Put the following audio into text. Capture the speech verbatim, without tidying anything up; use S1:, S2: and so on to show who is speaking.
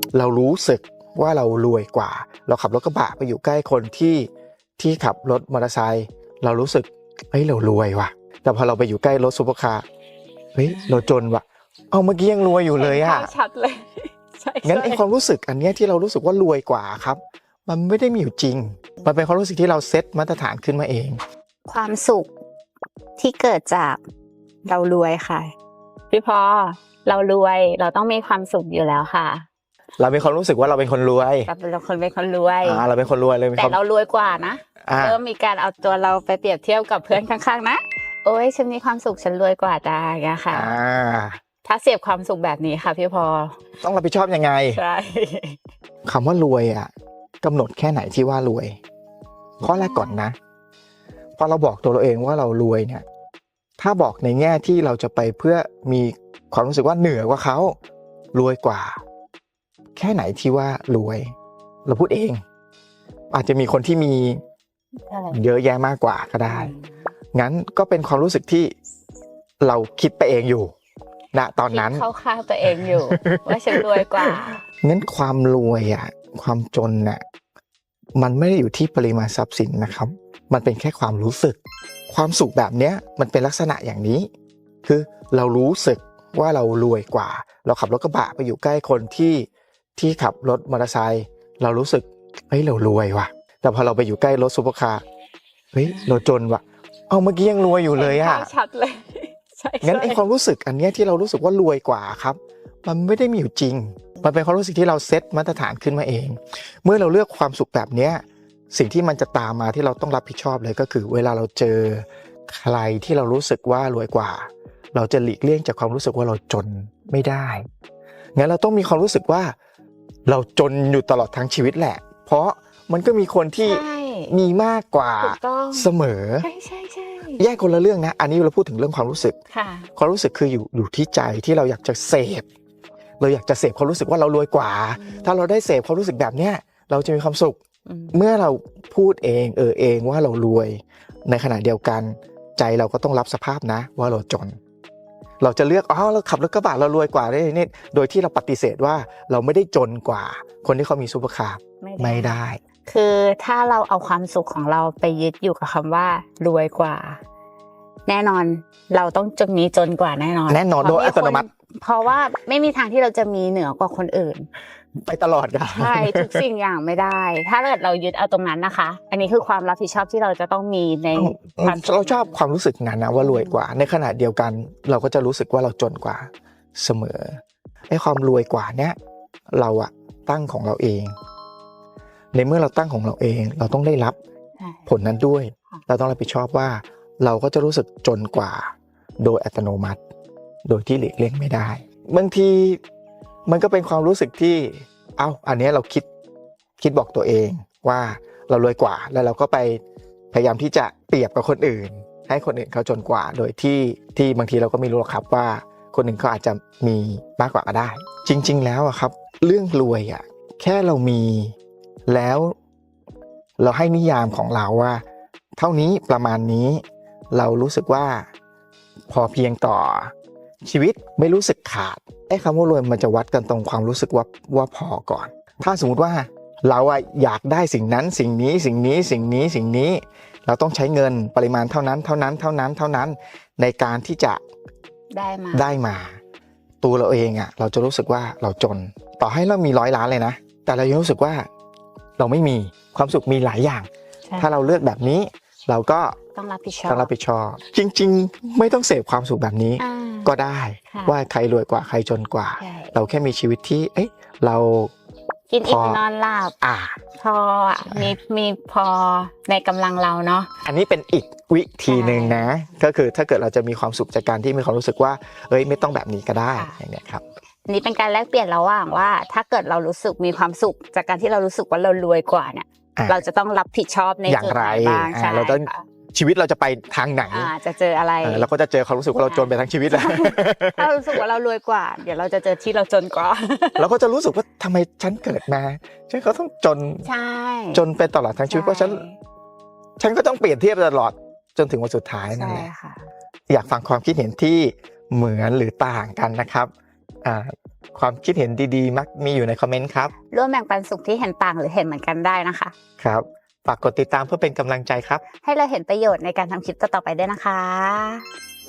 S1: เรารู้สึกว่าเรารวยกว่าเราขับรถกระบะไปอยู่ใกล้คนที่ที่ขับรถมอเตอร์ไซค์เรารู้สึกเฮ้ยเรารวยว่ะแต่พอเราไปอยู่ใกล้รถซุปเปอร์คาร์เฮ้ยเราจนว่ะเอาเมื่อกี้ยังรวยอยู่เลยอ่ะ
S2: ชัดเลยใช่
S1: งั้นไอความรู้สึกอันเนี้ยที่เรารู้สึกว่ารวยกว่าครับมันไม่ได้มีอยู่จริงมันเป็นความรู้สึกที่เราเซตมาตรฐานขึ้นมาเอง
S2: ความสุขที่เกิดจากเรารวยค่ะพี่พอเรารวยเราต้องมีความสุขอยู่แล้วค่ะ
S1: เราเป็นความรู้สึกว่าเราเป็นคนรวย
S2: เราคนเป็นคนรวย
S1: อ่าเราเป็นคนรวยเลย
S2: แต่เรารวยกว่านะเริ่มมีการเอาตัวเราไปเปรียบเทียบกับเพื่อนข้างๆนะโอ้ยฉันมีความสุขฉันรวยกว่าจ้าอย่างเงี้ยค่ะถ้าเสียบความสุขแบบนี้ค่ะพี่พอ
S1: ต้องรับผิดชอบยังไง
S2: ใช่
S1: คำว่ารวยอ่ะกำหนดแค่ไหนที่ว่ารวยข้อแรกก่อนนะพอเราบอกตัวเราเองว่าเรารวยเนี่ยถ้าบอกในแง่ที่เราจะไปเพื่อมีความรู้สึกว่าเหนือกว่าเขารวยกว่าแค่ไหนที่ว่ารวยเราพูดเองอาจจะมีคนที่มีเยอะแยะมากกว่าก็ได้งั้นก็เป็นความรู้สึกที่เราคิดไปเองอยู่ณตอนนั้น
S2: เข้าข้างตัวเองอยู่ ว่าฉันรวยกว่า
S1: งั้นความรวยอ่ะความจนน่ะมันไม่ได้อยู่ที่ปริมาณทรัพย์สินนะครับมันเป็นแค่ความรู้สึกความสุขแบบเนี้ยมันเป็นลักษณะอย่างนี้คือเรารู้สึกว่าเรารวยกว่าเราขับรถกระบะไปอยู่ใกล้คนที่ที่ขับรถมอเตอร์ไซค์เรารู้สึกเฮ้ยเรารวยว่ะแต่พอเราไปอยู่ใกล้รถซุปเปอร์คาร์เฮ้ยเราจนว่ะเอาเมื่อกี้ยังรวยอยู่เลยอ่ะ
S2: ชัดเลยใช่
S1: งั้นไอความรู้สึกอันเนี้ยที่เรารู้สึกว่ารวยกว่าครับมันไม่ได้มีอยู่จริงมันเป็นความรู้สึกที่เราเซตมาตรฐานขึ้นมาเองเมื่อเราเลือกความสุขแบบเนี้ยสิ่งที่มันจะตามมาที่เราต้องรับผิดชอบเลยก็คือเวลาเราเจอใครที่เรารู้สึกว่ารวยกว่าเราจะหลีกเลี่ยงจากความรู้สึกว่าเราจนไม่ได้งั้นเราต้องมีความรู้สึกว่าเราจนอยู่ตลอดทั้งชีวิตแหละเพราะมันก็มีคนที่มีมากกว่าเสมอ
S2: ใช่ใช่ใช่
S1: แยกคนละเรื่องนะอันนี้เราพูดถึงเรื่องความรู้สึกความรู้สึกคืออยู่อยู่ที่ใจที่เราอยากจะเสพเราอยากจะเสพความรู้สึกว่าเรารวยกว่าถ้าเราได้เสพความรู้สึกแบบเนี้ยเราจะมีความสุขเมื่อเราพูดเองเออเองว่าเรารวยในขณะเดียวกันใจเราก็ต้องรับสภาพนะว่าเราจนเราจะเลือกอ๋อเราขับรถกระบะเรารวยกว่าได้นี่โดยที่เราปฏิเสธว่าเราไม่ได้จนกว่าคนที่เขามีซุปเปอร์คาร์ไม่ได้
S2: คือถ้าเราเอาความสุขของเราไปยึดอยู่กับคำว่ารวยกว่าแน่นอนเราต้องจะมีจนกว่าแน่นอน
S1: แน่นอนโดยอัตโนมัติ
S2: เพราะว่าไม่มีทางที่เราจะมีเหนือกว่าคนอื่น
S1: ไปตลอดกัน
S2: ใช่ทุกสิ่งอย่างไม่ได้ถ้าเกิดเรายึดเอาตรงนั้นนะคะอันนี้คือความรับผิดชอบที่เราจะต้องมีใน
S1: เราชอบความรู้สึกนั้นนะว่ารวยกว่าในขณะเดียวกันเราก็จะรู้สึกว่าเราจนกว่าเสมอไอ้ความรวยกว่าเนี้ยเราอะตั้งของเราเองในเมื่อเราตั้งของเราเองเราต้องได้รับผลนั้นด้วยเราต้องรับผิดชอบว่าเราก็จะรู้สึกจนกว่าโดยอัตโนมัติโดยที่หลีกเลี่ยงไม่ได้บางทีมันก็เป็นความรู้สึกที่เอ้าอันนี้เราคิดคิดบอกตัวเองว่าเรารวยกว่าแล้วเราก็ไปพยายามที่จะเปรียบกับคนอื่นให้คนอื่นเขาจนกว่าโดยที่ที่บางทีเราก็ไม่รู้หรอกครับว่าคนอื่นเขาอาจจะมีมากกว่าก็ได้จริงๆแล้วอะครับเรื่องรวยอะแค่เรามีแล้วเราให้นิยามของเราว่าเท่านี้ประมาณนี้เรารู้สึกว่าพอเพียงต่อชีวิตไม่รู้สึกขาดไอ้คำว่ารวยมันจะวัดกันตรงความรู้สึกว่าว่าพอก่อนถ้าสมมุติว่าเราอะอยากได้สิ่งนั้นสิ่งนี้สิ่งนี้สิ่งนี้สิ่งนี้เราต้องใช้เงินปริมาณเท่านั้นเท่านั้นเท่านั้นเท่านั้นในการที่จะ
S2: ได้มา
S1: ได้มาตัวเราเองอะเราจะรู้สึกว่าเราจนต่อให้เรามีร้อยล้านเลยนะแต่เรายังรู้สึกว่าเราไม่มีความสุขมีหลายอย่างถ้าเราเลือกแบบนี้เราก็
S2: ต้องรับผิดชอบ
S1: ต้องรับผิดชอบจริงๆไม่ต้องเสพความสุขแบบนี้ก็ได้ว่าใครรวยกว่าใครจนกว่าเราแค่มีชีวิตที่เอ๊ะเรา
S2: กินอิ่มนอนหลับ
S1: อ่า
S2: พอมีมีพอในกำลังเราเนาะ
S1: อันนี้เป็นอีกวิธีหนึ่งนะก็คือถ้าเกิดเราจะมีความสุขจากการที่มีความรู้สึกว่าเอ้ยไม่ต้องแบบนี้ก็ได้อย่างเงี้ยครับ
S2: อันนี้เป็นการแลกเปลี่ยนระหว่างว่าถ้าเกิดเรารู้สึกมีความสุขจากการที่เรารู้สึกว่าเรารวยกว่าเนี่ยเราจะต้องรับผิดชอบใน
S1: อย่างไรเราต้องชีวิตเราจะไปทางไหน
S2: จะเจออะไร
S1: เราก็จะเจอความรู้สึกว่าเราจนไปทั้งชีวิตแหละ
S2: ถ้ารู้สึกว่าเรารวยกว่าเดี๋ยวเราจะเจอที่เราจนกว่า
S1: เราก็จะรู้สึกว่าทำไมฉันเกิดมาฉันก็ต้องจนจนไปตลอดทั้งชีวิตเพราะฉันฉันก็ต้องเปลี่ยนเทียบตลอดจนถึงวันสุดท้ายนั่นแหละอยากฟังความคิดเห็นที่เหมือนหรือต่างกันนะครับอ่าความคิดเห็นดีๆมักมีอยู่ในคอมเมนต์ครับ
S2: ร่วมแบ่งปันสุขที่เห็นต่างหรือเห็นเหมือนกันได้นะคะ
S1: ครับฝากกดติดตามเพื่อเป็นกำลังใจครับ
S2: ให้เราเห็นประโยชน์ในการทำคลิปต่อๆไปด้วยนะคะ